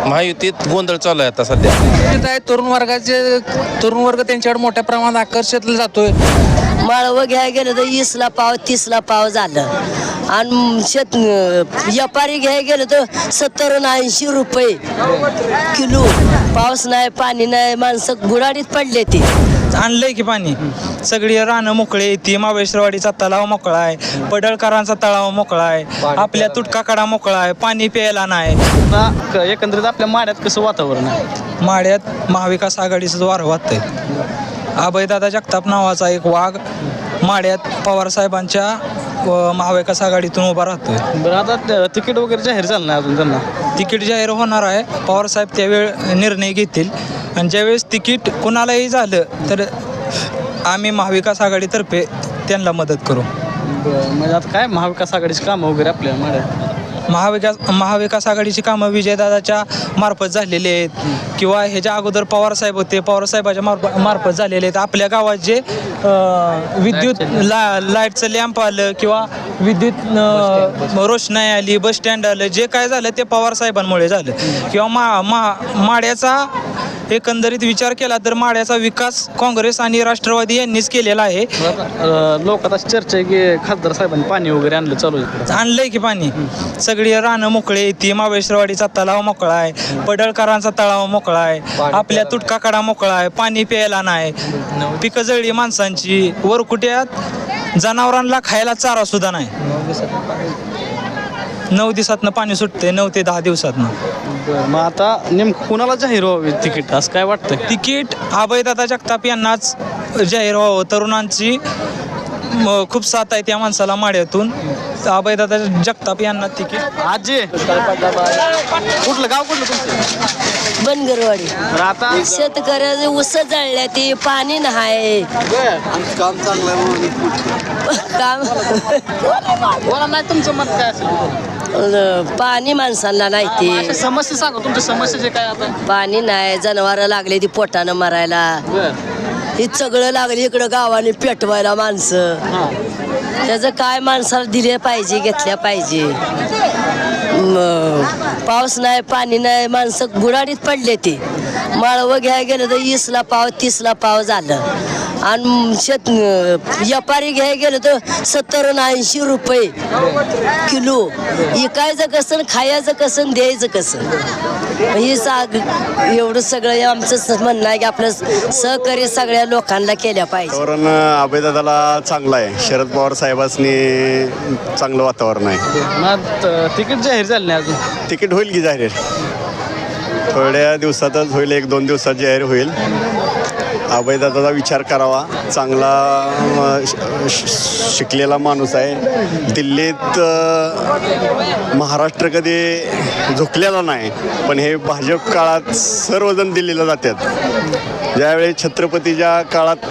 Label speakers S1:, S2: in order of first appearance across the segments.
S1: महायुतीत गोंधळ चालू आहे आता सध्या.
S2: तरुण वर्ग त्यांच्याकडे मोठ्या प्रमाणात आकर्षित जातोय.
S3: माळवं घ्यायला गेलं तर 20ला पाव 30ला पाव झालं आणि व्यापारी घ्यायला गेलं तर 70 आणि 80 रुपये किलो. पाऊस नाही, पाणी नाही, माणसं गुराडीत पडले ते.
S4: आणलंय की पाणी, सगळी रानं मोकळे, ती महाबळेश्वरवाडीचा तलाव मोकळा आहे, पडळकरांचा तलाव मोकळा आहे, आपल्या तुटकाकडा मोकळा आहे, पाणी प्यायला नाही.
S5: एकंदरीत आपल्या माड्यात कसं वातावरण आहे?
S4: माड्यात महाविकास आघाडीचं वारं वाहतंय. अभयदादा जगताप नावाचा एक वाघ माड्यात पवारसाहेबांच्या महाविकास आघाडीतून उभा राहतोय.
S5: बरं, आता तिकीट वगैरे जाहीर झालं नाही अजून त्यांना?
S4: तिकीट जाहीर होणार आहे. पवारसाहेब त्यावेळ निर्णय घेतील आणि ज्यावेळेस तिकीट कुणालाही झालं तर आम्ही महाविकास आघाडीतर्फे त्यांना मदत करू.
S5: म्हणजे आता काय महाविकास आघाडीची कामं वगैरे आपल्या माड्यात?
S4: महाविकास आघाडीची कामं विजयदादाच्या मार्फत झालेली आहेत किंवा ह्याच्या अगोदर पवारसाहेब होते, पवारसाहेबाच्या मार्फत झालेले आहेत. आपल्या गावात जे विद्युत लाईटचं लॅम्प आलं किंवा विद्युत रोषणाई आली, बस स्टँड आलं, जे काय झालं ते पवारसाहेबांमुळे झालं. किंवा माड्याचा एकंदरीत विचार केला तर माड्याचा विकास काँग्रेस आणि राष्ट्रवादी यांनीच केलेला आहे.
S5: लोक आता चर्चा आहे की खासदार साहेबांनी पाणी वगैरे
S4: आणलंय की पाणी, सगळी रानं मोकळे, ती महाबळेश्वरवाडीचा तलाव मोकळा आहे, पडळकरांचा तलाव मोकळा आहे, आपल्या तुटकाकडा मोकळा आहे, पाणी प्यायला नाही, पिकं जळली माणसांची, वरकुट्यात जनावरांना खायला चारा सुद्धा नाही. 9 दिवसातनं पाणी सुटते, 9 ते 10 दिवसातनं.
S5: मग आता नेमकं कुणाला जाहीर व्हावे तिकीट असं काय वाटतं?
S4: तिकीट अभयदादा जगताप यांनाच जाहीर व्हावं. तरुणांची खूप साथ आहे त्या माणसाला माड्यातून. अभयदादा जगताप यांना तिकीट.
S5: आजी कुठलं गाव, कुठलं तुमचं?
S3: बनगरवाडी.
S5: आता
S3: शेतकऱ्याचे ऊस जळल्या, ते पाणी नाही.
S5: काम चांगलं
S3: काम
S5: बोला नाही, तुमचं मत काय असेल?
S3: पाणी माणसांना नाही, ते
S5: समस्या सांगा, तुमच्या समस्या काय आता?
S3: पाणी नाही, जनावरं लागले ती पोटानं मरायला. हे सगळं लागले इकडं गावाने पेटवायला माणसं. त्याचं काय माणसाला दिले पाहिजे, घेतल्या पाहिजे. पाऊस नाही, पाणी नाही, माणसं गुराडीत पडले ते. माळवं घ्यायला गेलं तर 20ला पाव 30ला पाव झालं आणि व्यापारी घ्यायला गेलं तर 70 आणि 80 रुपये किलो. विकायचं कसं, खायचं कसं, द्यायचं कसं, हे एवढं सगळं आमचं म्हणणं आहे की आपलं सहकार्य सगळ्या लोकांना केल्या पाहिजे.
S6: वातावरण अभयदादाला चांगलं आहे. शरद पवार साहेबांनी चांगलं वातावरण आहे.
S5: मग तिकीट जाहीर झालं नाही अजून?
S6: तिकीट होईल की जाहीर, थोड्या दिवसातच होईल, 1-2 दिवसात जाहीर होईल. अभयदादाचा विचार करावा. चांगला शिकलेला माणूस आहे. दिल्लीत महाराष्ट्र कधी झुकलेला नाही, पण हे भाजप काळात सर्वजण दिल्लीला जातात. ज्यावेळी छत्रपतीच्या काळात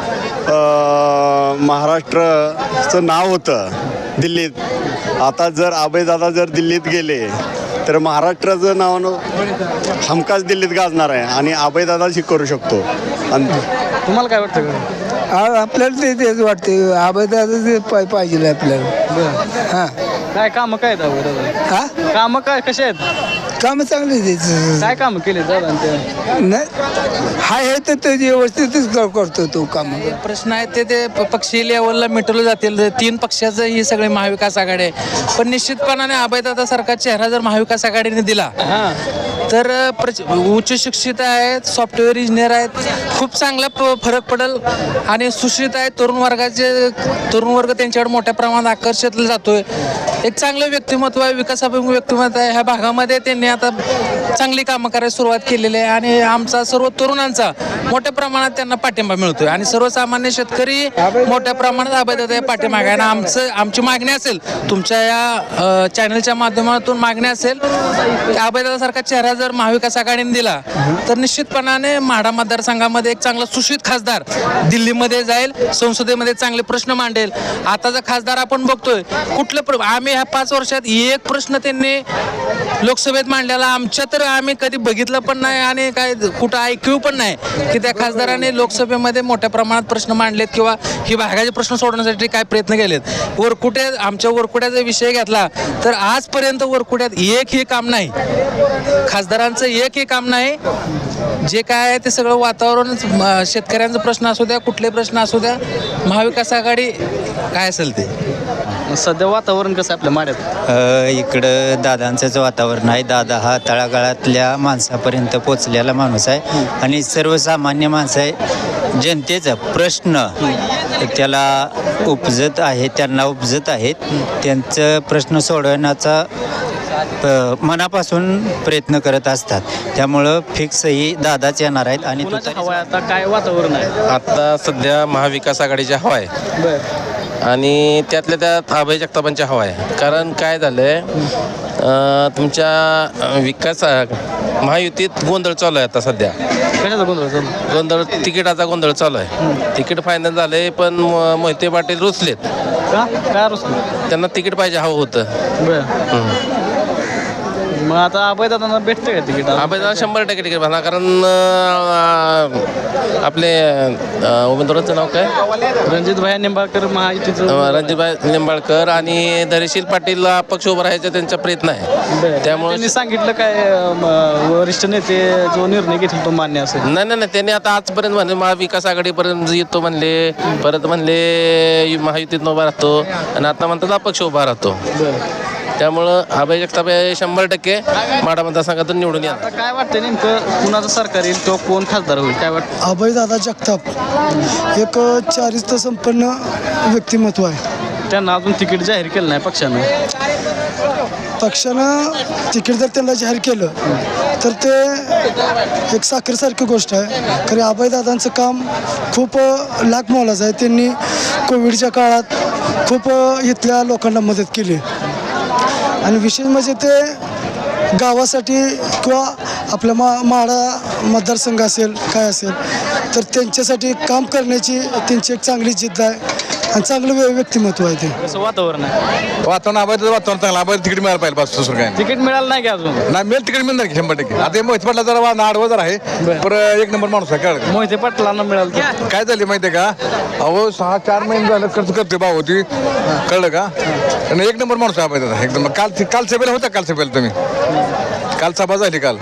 S6: महाराष्ट्राचं नाव होतं दिल्लीत, आता जर अभयदादा जर दिल्लीत गेले तर महाराष्ट्राचं नाव हमखास दिल्लीत गाजणार आहे आणि अभयदादाच करू शकतो. आणि
S5: तुम्हाला काय वाटतं?
S7: आपल्याला तेच वाटते, अभयदादा ते पाहिजे आपल्याला. हां,
S5: काय कामं काय आहेत?
S7: हा,
S5: कामं काय कसे आहेत?
S7: कामं चांगली
S5: काय कामं केले दादा?
S7: नाही हा हे तर ते व्यवस्थितच करतो तो काम.
S2: प्रश्न आहेत ते पक्षीय लेवलला मिटवले जातील. 3 पक्षाचं ही सगळे महाविकास आघाडी आहे. पण निश्चितपणाने अभयदादा सारखा चेहरा जर महाविकास आघाडीने दिला तर उच्च शिक्षित आहेत, सॉफ्टवेअर इंजिनियर आहेत, खूप चांगला फरक पडेल. आणि सुशिक्षित आहेत, तरुण वर्ग त्यांच्याकडे मोठ्या प्रमाणात आकर्षित जातोय. एक चांगलं व्यक्तिमत्व आहे, विकासाभिमुख व्यक्तिमत्व आहे. ह्या भागामध्ये त्यांनी आता चांगली कामं करायला सुरुवात केलेली आहे आणि आमचा सर्व तरुणांचा मोठ्या प्रमाणात त्यांना पाठिंबा मिळतोय आणि सर्वसामान्य शेतकरी मोठ्या प्रमाणात अभयदादा पाठिंबा आहे. आणि आमची मागणी असेल, तुमच्या या चॅनलच्या माध्यमातून मागणी असेल की अभयदादा सारखा चेहरा जर महाविकास आघाडीने दिला तर निश्चितपणाने माढा मतदारसंघामध्ये एक चांगला सुशिक्षित खासदार दिल्लीमध्ये जाईल, संसदेमध्ये चांगले प्रश्न मांडेल. आताचा खासदार आपण बघतोय कुठलं आम्ही ह्या 5 वर्षात एक प्रश्न त्यांनी लोकसभेत मांडलेला आमच्या तर आम्ही कधी बघितलं पण नाही आणि काय कुठं ऐकू पण नाही की त्या खासदारांनी लोकसभेमध्ये मोठ्या प्रमाणात प्रश्न मांडलेत किंवा ही भागाचे प्रश्न सोडवण्यासाठी काय प्रयत्न केलेत. आमच्या वरकुट्याचा विषय घेतला तर आजपर्यंत वरकुट्यात एकही काम नाही, खासदारांचं एकही काम नाही. जे काय आहे ते सगळं वातावरण, शेतकऱ्यांचा प्रश्न असू द्या, कुठले प्रश्न असू द्या, महाविकास आघाडी काय असेल ते.
S5: सध्या वातावरण कसं आहे आपल्या माड्यात?
S8: इकडं दादांचंच वातावरण आहे. दादा हा तळागाळातल्या माणसापर्यंत पोचलेला माणूस आहे आणि सर्वसामान्य माणसं आहे. जनतेचा प्रश्न त्याला उपजत आहे, त्यांना उपजत आहेत. त्यांचं प्रश्न सोडवण्याचा मनापासून प्रयत्न करत असतात. त्यामुळं फिक्स ही दादाच येणार आहेत. आणि
S5: हवा आहे आता, काय वातावरण आहे?
S1: आता सध्या महाविकास आघाडीची हवा आहे आणि त्यातल्या त्यात अभय जगतापांची हवा आहे. कारण काय झालंय, तुमच्या विकास महायुतीत गोंधळ चालू आहे आता सध्या.
S5: कशाचा गोंधळ चालू?
S1: गोंधळ तिकिटाचा गोंधळ चालू आहे. तिकीट फायनल झालंय पण मोहिते पाटील रुसलेत.
S5: का काय रुसलं?
S1: त्यांना तिकीट पाहिजे हवं होतं.
S5: बरं. मग आता अभयदादांना भेटते का तिकीट?
S1: अभयदादा 100% तिकीट भरणार. कारण आपले उमेदवाराचं नाव काय,
S5: रणजित भाई निंबाळकर महायुतीचं.
S1: रणजितभाई निंबाळकर आणि धैर्यशील पाटील अपक्ष उभं राहायचा त्यांचा प्रयत्न आहे. त्यामुळे
S5: त्यांनी सांगितलं काय वरिष्ठ नेते जो निर्णय घेतील तो मान्य असेल?
S1: नाही त्यांनी आता आजपर्यंत म्हणले महाविकास आघाडीपर्यंत येतो म्हणले, परत म्हणले महायुतीत उभा राहतो आणि आता म्हणतात अपक्ष उभा राहतो. त्यामुळं अभय जगताप 100% माढा मतदारसंघातून निवडून येणार.
S5: आता काय वाटतं नेमकं कुणाचं सरकार येईल किंवा कोण खासदार होईल काय वाटतं?
S7: अभयदादा जगताप एक चारित्र्य संपन्न व्यक्तिमत्व आहे.
S5: त्यांना अजून तिकीट जाहीर केलं नाही पक्षानं.
S7: पक्षानं तिकीट जर त्यांना जाहीर केलं तर ते एक साखरेसारखी गोष्ट आहे. खरे अभयदादांचं काम खूप लाख मोलाचं आहे. त्यांनी कोविडच्या काळात खूप इथल्या लोकांना मदत केली आणि विशेष म्हणजे ते गावासाठी किंवा आपल्या माढा मतदारसंघ असेल काय असेल तर त्यांच्यासाठी काम करण्याची त्यांची एक चांगली जिद्द आहे आणि चांगलं व्यक्तिमत्व आहे ते.
S5: कसं वातावरण आहे?
S9: वातावरण अभयचं वातावरण चांगलं. अभय तिकीट मिळायला पाहिजे बस, दुसरं काय
S5: तिकीट मिळालं नाही की अजून?
S9: नाही. मिळेल तिकीट मिळणार की 100%. आता मोहित पाटला जरा आडवं जर आहे पण एक नंबर माणूस आहे. कळलं
S5: मोहिते पाटलांना मिळालं तर
S9: काय झाली माहिती आहे का? अहो 6-4 महिने झालं खर्च करते भाव होती. कळलं का? आणि एक नंबर माणूस आहे अभय. एकदम काल सभेला होता. काल सभेला तुम्ही काल सभा झाली. काल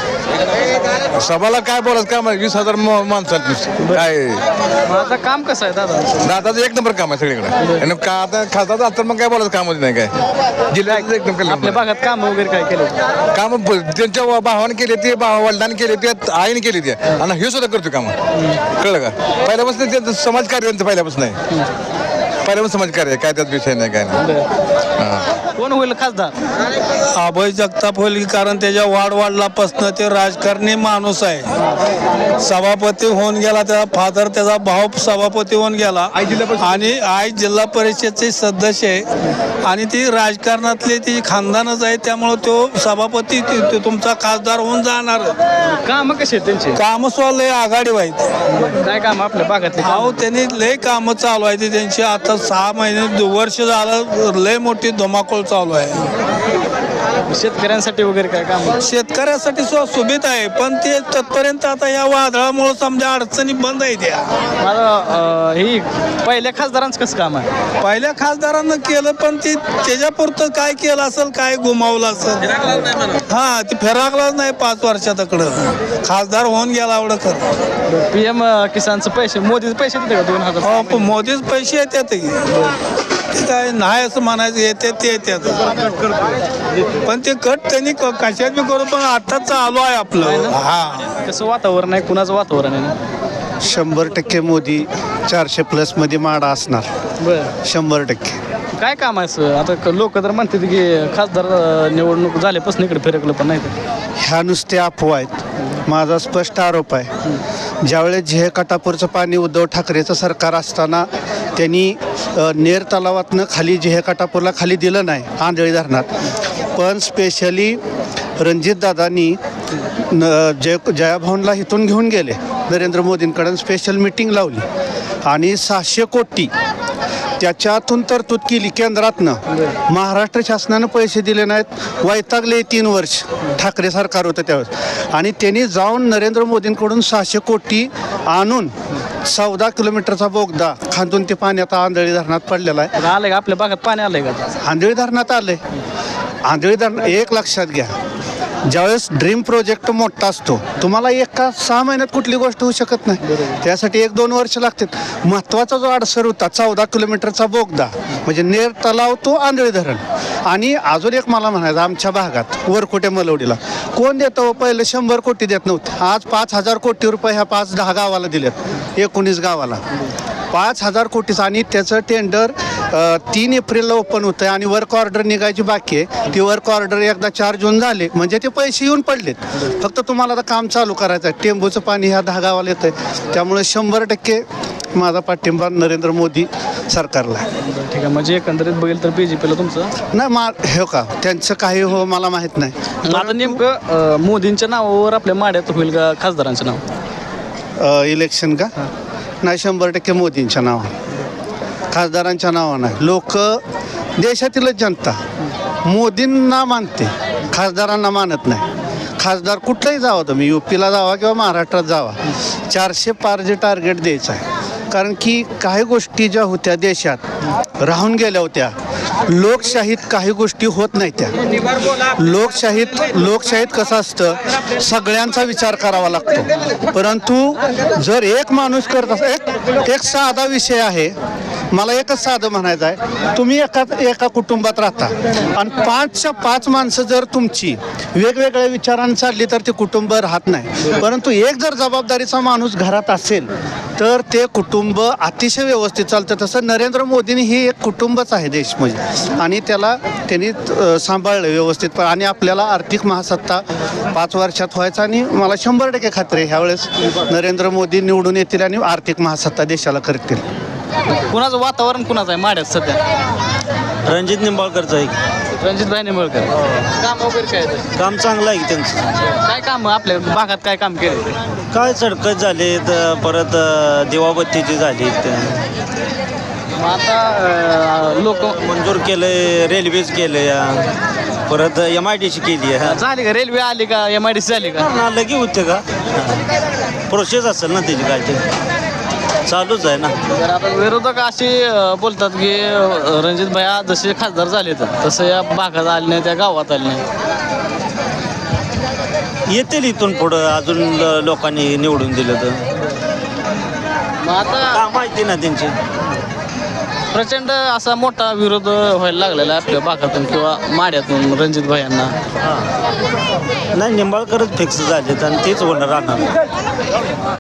S9: सभाला काय बोलायचं काम आहे? 20,000 माणसं काय.
S5: आता काम कसं आहे दादा?
S9: दादाचं एक नंबर काम आहे सगळीकडे. आणि का आता खासदार झालं तर मग काय बोलायचं कामच नाही. काय जिल्ह्यात एकदम
S5: आपल्या भागात काम वगैरे काय केलं?
S9: काम त्यांच्या भावाने केले ते, वडिलांनी केले ते, आईने केले ते आणि हे सुद्धा करतो काम. कळलं का? पहिल्यापासून त्यांचं समाजकार्य पहिल्यापासून आहे. पहिल्यापासून समाजकार्य आहे. काय त्यात विषय नाही काय नाही.
S5: कोण होईल खासदार?
S4: अभय जगताप होईल. कारण त्याच्या वाढवाडलापासनं ते राजकारणी माणूस आहे. सभापती होऊन गेला, त्याचा फादर त्याचा भाऊ सभापती होऊन गेला आणि आई जिल्हा परिषदचे सदस्य आहे आणि ती राजकारणातली ती खानदानच आहे. त्यामुळं तो सभापती तुमचा खासदार होऊन जाणार.
S5: काम कसे आहेत त्यांचे?
S4: कामं सुद्धा लय आघाडी व्हायची.
S5: काय काम आपल्या भागातले?
S4: अहो त्यांनी लय कामं चालू आहे त्यांची. आता 6 महिने वर्ष झालं लय मोठी धुमाकूळ चालू आहे.
S5: शेतकऱ्यांसाठी वगैरे काय काम?
S4: शेतकऱ्यासाठी सुविधा आहे पण ते तत्पर्यंत आता या वादळामुळे समजा अडचणी बंद आहे. त्या
S5: मला ही पहिल्या खासदारांचं कसं काम आहे?
S4: पहिल्या खासदारांना केलं पण ती त्याच्यापुरतं काय केलं असेल, काय गुमावलं असेल. हा ती फिराकलाच नाही 5 वर्षातकडं. खासदार होऊन गेला एवढं खरं.
S5: PM किसानचं पैसे, मोदीचे पैसे देते का 2,000?
S4: हो पण मोदीच पैसे येतात की काय नाही असं म्हणायचं. येते ते येतात पण ते कट त्यांनी कशात बी करू पण आता चालू आहे आपलं. हा
S5: कसं वातावरण आहे? कुणाचं वातावरण आहे?
S6: 100% मोदी. 400+ मध्ये माडा असणार.
S5: बरं.
S6: 100%.
S5: काय काम आहे सर? आता लोक तर म्हणतात की खासदार निवडणूक झाल्यापासून इकडे फिरकलं पण नाही तर.
S6: ह्या नुसत्या अफवा आहेत. माझा स्पष्ट आरोप आहे, ज्यावेळेस झेह काटापूरचं पाणी उद्धव ठाकरेचं सरकार असताना त्यांनी नेर तलावातनं खाली झेह काटापूरला खाली दिलं नाही आंधळी धरणात. पण स्पेशली रणजितदादांनी जयाभवनला इथून घेऊन गेले नरेंद्र मोदींकडून, स्पेशल मिटिंग लावली आणि 600 कोटी
S10: त्याच्यातून तरतूद केली केंद्रातनं. महाराष्ट्र शासनानं पैसे दिले नाहीत, वैतागले 3 वर्ष ठाकरे सरकार होतं त्यावेळेस, आणि त्यांनी जाऊन नरेंद्र मोदींकडून 600 कोटी आणून 14 किलोमीटरचा बोगदा खांदून ते पाणी आता आंधळी धरणात पडलेला आहे.
S5: आलंय का आपल्या भागात पाणी आलंय का?
S10: आंधळी धरणात आलंय. आंधळी धरण एक लक्षात घ्या, ज्यावेळेस ड्रीम प्रोजेक्ट मोठा असतो, तुम्हाला एका 6 महिन्यात कुठली गोष्ट होऊ शकत नाही, त्यासाठी 1-2 वर्ष लागतात. महत्त्वाचा जो अडसर होता 14 किलोमीटरचा बोगदा म्हणजे नेर तलाव तो आंधळी धरण. आणि अजून एक मला म्हणायचं, आमच्या भागात वरकुटे मलवडीला कोण देतं? पहिले 100 कोटी देत नव्हते, आज 5,000 कोटी रुपये ह्या 5-10 गावाला दिलेत, 19 गावाला 5,000 कोटीचं. आणि त्याचं टेंडर 3 एप्रिलला ओपन होतं आहे आणि वर्क ऑर्डर निघायची बाकी आहे. ती वर्क ऑर्डर एकदा 4 जून झाले म्हणजे ते पैसे येऊन पडलेत, फक्त तुम्हाला आता काम चालू करायचं आहे. टेंबूचं पाणी ह्या 10 गावाला येतं आहे, त्यामुळे 100% माझा पाठिंबा नरेंद्र मोदी सरकारला.
S5: ठीक आहे, म्हणजे एकंदरीत बघेल तर BJPला तुमचं
S10: नाही हे का त्यांचं काही हो मला माहीत नाही.
S5: आता नेमकं मोदींच्या नावावर आपल्या माड्यात होईल का खासदारांचं नाव?
S10: इलेक्शन का? नाही, 100% मोदींच्या नावानं, खासदारांच्या नावानं नाही. लोक देशातीलच जनता मोदींना मानते, खासदारांना मानत नाही. खासदार कुठलाही जावा, तुम्ही UPला जावा किंवा महाराष्ट्रात जावा, 400 पार जे टार्गेट द्यायचं आहे. कारण की काही गोष्टी ज्या होत्या देशात राहून गेल्या होत्या, लोकशाहीत काही गोष्टी होत नाही त्या. लोकशाहीत कसं असतं, सगळ्यांचा विचार करावा लागतो, परंतु जर एक माणूस करत असं एक साधा विषय आहे, मला एकच साधं म्हणायचं आहे, तुम्ही एका कुटुंबात राहता आणि 5च्या 5 माणसं जर तुमची वेगवेगळ्या विचारांनी चालली तर ते कुटुंब राहत नाही. परंतु एक जर जबाबदारीचा माणूस घरात असेल तर ते कुटुंब अतिशय व्यवस्थित चालतं. तसं नरेंद्र मोदींनी ही एक कुटुंबच आहे देश म्हणजे, आणि त्यांनी सांभाळलं व्यवस्थित. आणि आपल्याला आर्थिक महासत्ता 5 वर्षात व्हायचा, आणि मला 100% खात्री आहे ह्यावेळेस नरेंद्र मोदी निवडून येतील आणि आर्थिक महासत्ता देशाला करतील.
S5: कुणाचं वातावरण कुणाचं आहे माड्यात सध्या?
S11: रणजित निंबाळकरचं आहे.
S5: रणजितभाई निंबाळकर. काम वगैरे काय?
S11: काम चांगलं आहे त्यांचं.
S5: काय काम आपल्या भागात काय काम केले?
S11: काय सडकच झाले, परत दिवाबत्तीची झाली.
S5: मग आता लोक
S11: मंजूर केलं, रेल्वेज केलं या, परत MIDC केली आहे.
S5: झाली का? रेल्वे आली का? MIDC झाली का?
S11: लगे होते का? प्रोसेस असेल ना त्याची, काय ते चालूच आहे ना.
S5: तर आता विरोधक असे बोलतात की रणजित भैया जसे खासदार झाले तसं या भागात आले नाही, त्या गावात आले नाही.
S11: येतील इथून पुढं अजून लोकांनी निवडून दिलं तर.
S5: मग आता
S11: माहिती ना त्यांची.
S5: प्रचंड असा मोठा विरोध व्हायला लागलेला आहे आपल्या भागातून किंवा माड्यातून रणजित भैयांना.
S11: नाही, निंबाळकरच फिक्स झालेत आणि तेच होणार राहणार.